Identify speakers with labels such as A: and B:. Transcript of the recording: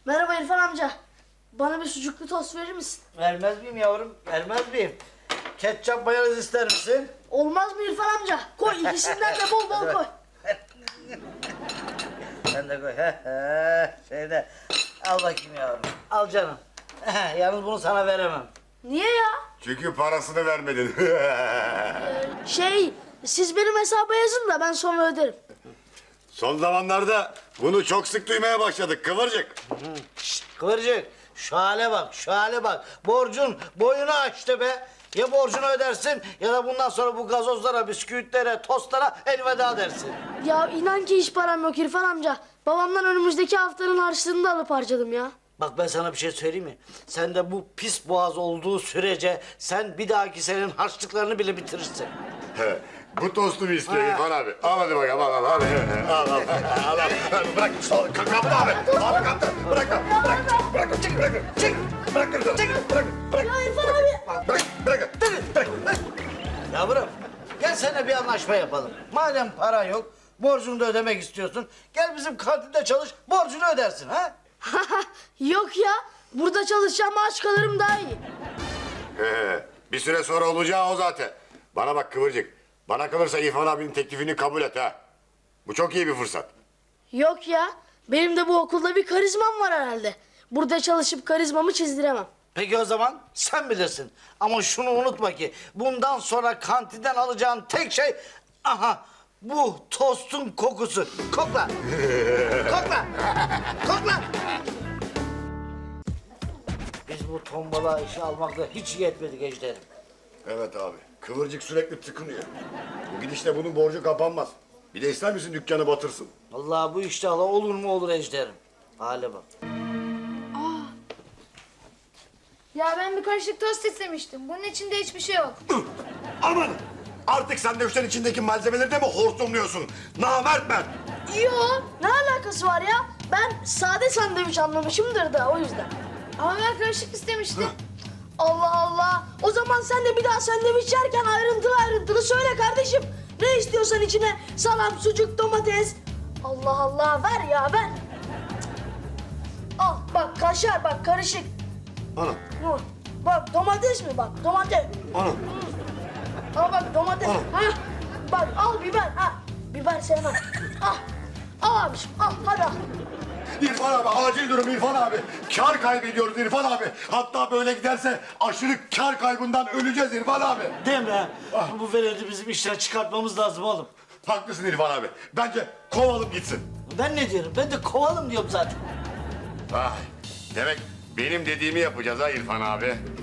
A: Merhaba İrfan amca. Bana bir sucuklu tost verir misin?
B: Vermez miyim yavrum? Vermez miyim? Ketçap mayonez ister misin?
A: Olmaz mı İrfan amca? Koy ikisinden de bol bol koy.
B: Sen de koy. Şeyde. Al bakayım yavrum. Al canım. Yalnız bunu sana veremem.
A: Niye ya?
C: Çünkü parasını vermedin.
A: Siz benim hesaba yazın da ben sonra öderim.
C: Son zamanlarda bunu çok sık duymaya başladık Kıvırcık.
B: Şşt, Kıvırcık. Şu hale bak, şu hale bak. Borcun boyunu aştı be. Ya borcunu ödersin ya da bundan sonra bu gazozlara, bisküvitlere, tostlara elveda dersin.
A: Ya inan ki hiç param yok İrfan amca. Babamdan önümüzdeki haftanın harçlığını da alıp harcadım ya.
B: Bak ben sana bir şey söyleyeyim mi? Sen de bu pis boğaz olduğu sürece sen bir dahaki senenin harçlıklarını bile bitirirsin.
C: He, bu tostu mu istiyor İrfan abi? Al hadi bakalım al al. Bırak kapı abi. Abi kaptı. Bırak. Bırak.
A: Ya İrfan abi.
C: Bırak.
B: Yavrum gel seninle bir anlaşma yapalım. Madem para yok, borcunu da ödemek istiyorsun. Gel bizim kantinde çalış, borcunu ödersin ha?
A: Yok ya. Burada çalışacağım, maaş kalırım daha iyi.
C: Bir süre sonra olacağı o zaten. Bana bak Kıvırcık. Bana kalırsa İrfan abinin teklifini kabul et ha. Bu çok iyi bir fırsat.
A: Yok ya. Benim de bu okulda bir karizmam var herhalde. Burada çalışıp karizmamı çizdiremem.
B: Peki o zaman sen bilirsin. Ama şunu unutma ki bundan sonra kantinden alacağın tek şey... Aha bu tostun kokusu. Kokla. Kokla. Kokla. Biz bu tombala işi almakla hiç iyi etmedik Ejder'im.
C: Evet abi. Kıvırcık sürekli tıkınıyor. Bu gidişle bunun borcu kapanmaz. Bir de ister misin dükkanı batırsın?
B: Vallahi bu işte hala olur mu olur Ejder'im. Hale bak.
D: Ya ben bir karışık tost istemiştim. Bunun içinde hiçbir şey yok.
C: Aman! Artık sandviçlerin içindeki malzemeleri de mi hortumluyorsun? Namert ben!
A: Yo, ne alakası var ya? Ben sade sandviç anlamışımdır da o yüzden.
D: Ama ben karışık istemiştim.
A: Allah Allah. O zaman sen de bir daha sandviç yerken ayrıntılı ayrıntılı söyle kardeşim. Ne istiyorsan içine salam, sucuk, domates. Allah Allah ver ya ver. Al bak kaşar bak karışık.
C: Ana,
A: Dur. Bak domates mi bak domates.
C: ana.
A: Al bak domates.
C: Al.
A: Ha. Bak al biber ha. Biber sevmem. Al. Al abiciğim al hadi al.
C: İrfan abi, acil durum İrfan abi. Kar kaybediyoruz İrfan abi. Hatta böyle giderse aşırı kar kaybından öleceğiz İrfan abi.
B: Değil mi? Bu veledi bizim işten çıkartmamız lazım oğlum.
C: Haklısın İrfan abi. Bence kovalım gitsin.
B: Ben ne diyorum? Ben de kovalım diyorum zaten.
C: Demek benim dediğimi yapacağız ha İrfan abi.